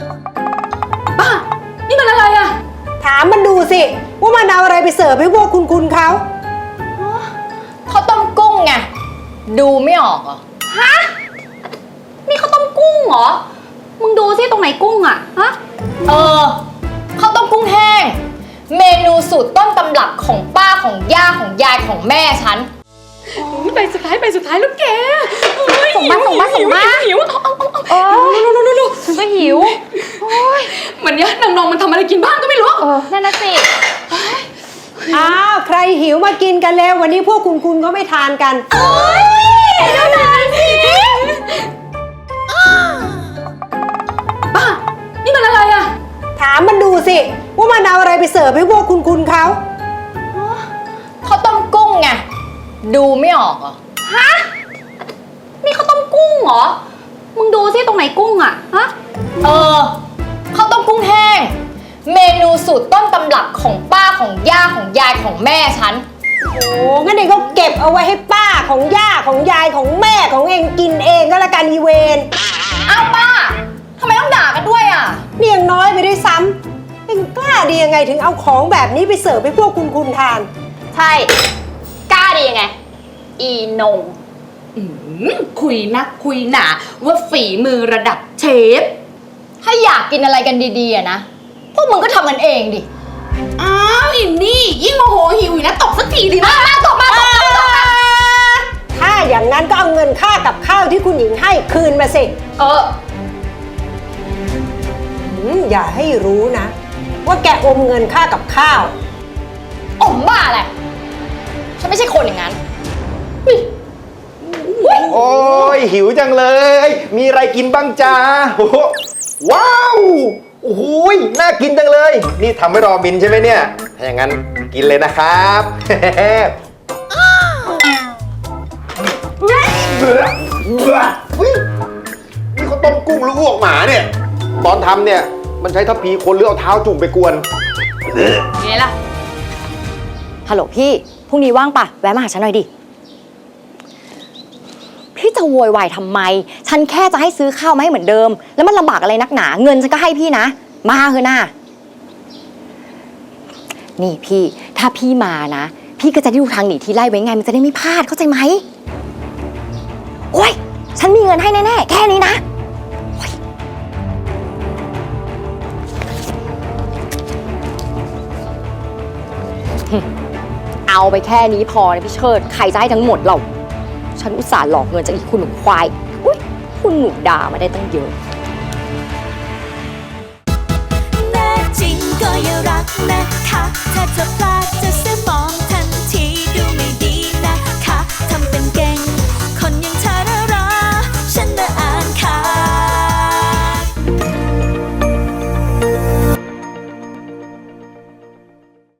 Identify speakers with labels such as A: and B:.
A: ป้านี่มันอะไรอะ
B: ถามมันดูสิว่ามันเอาอะไรไปเสิร์ฟให้พวกคุณเขา
C: ข้าวต้มกุ้งไงดูไม่ออกเหรอ
A: ฮะนี่ข้าวต้มกุ้งเหรอมึงดูสิตรงไหนกุ้งอะฮะ
C: ข้าวต้มกุ้งแห้งเมนูสูตรต้นตำรับของป้าของย่าของยายของแม่ฉัน
A: ไปสุดท้ายแล้วแก
C: ส่งมา
A: หิวฉันก็หิววันนี้นางนองมันทำอะไรกินบ้างก็ไม่รู้
C: นั่นน่ะสิ
B: อ้าวใครหิวมากินกันแล้ววันนี้พวกคุณก็ไม่ทานกัน
A: เดี๋ยวหน่อยสิป้านี่มันอะไรอะ
B: ถามมันดูสิว่ามันเอาอะไรไปเสิร์ฟให้พวกคุณเขา
C: ข้าวต้มกุ้งไงดูไม่ออกเหรอ
A: ฮะนี่ข้าวต้มกุ้งเหรอมึงดูสิตรงไหนกุ้งอะฮะ
C: ข้าวต้มกุ้งแห้งเมนูสูตรต้นตำรับของป้าของย่าของยายของแม่ฉัน
B: โอ้งั้นเองก็เก็บเอาไว้ให้ป้าของย่าของยายของแม่ของเองกินเองก็แล้วกันอีเวน
C: อ้าวป้าทำไมต้องด่ากันด้วยอ่ะ
B: นี่ยังน้อยไปด้วยซ้ำเองกล้าดียังไงถึงเอาของแบบนี้ไปเสิร์ฟให้พวกคุณทาน
C: ใช่กล้าดียังไงอีนง
A: คุยนักคุยหนาว่าฝีมือระดับเชฟ
C: ถ้าอยากกินอะไรกันดีๆอะนะพวกมึงก็ทำกันเองดิ
A: อ้าวอินนี่ยิ่งโมโหหิวนะตบสักทีดิ
C: มาตบ
B: ถ้าอย่างนั้นก็เอาเงินค่ากับข้าวที่คุณหญิงให้คืนมาสิอย่าให้รู้นะว่าแกอมเงินค่ากับข้าว
C: อมบ้าแหละฉันไม่ใช่คนอย่างนั้น
D: โอ้ยหิวจังเลยมีอะไรกินบ้างจ้าว้าวโอ้โหน่ากินจังเลยนี่ทำให้รอมินใช่ไหมเนี่ยถ้าอย่างนั้นกินเลยนะครับนี่เขาต้มกุ้งหรืออ้วกหมาเนี่ยตอนทำเนี่ยมันใช้ทัพพีคนหรือเอาเท้าจุ่มไปกวน
C: ไงล่ะฮัลโหลพี่พรุ่งนี้ว่างปะแวะมาหาฉันหน่อยดิพี่จะโวยวายทำไมฉันแค่จะให้ซื้อข้าวมาให้เหมือนเดิมแล้วมันลำบากอะไรนักหนาเงินฉันก็ให้พี่นะมาเถอะนะนี่พี่ถ้าพี่มานะพี่ก็จะได้ดูทางหนีที่ไล่ไว้ไงมันจะได้ไม่พลาดเข้าใจไหมโอ้ยฉันมีเงินให้แน่ๆแค่นี้นะเอาไปแค่นี้พอนะพี่เชิดใครจะให้ทั้งหมดเราฉันอุตส่าห์หลอกเงินจากอีกคุณหนูควายอุ๊ยคุณหนูด่ามาได้ตั้งเยอะ
E: แน่จริงก็อย่ารักนะคะถ้าเธอพลาด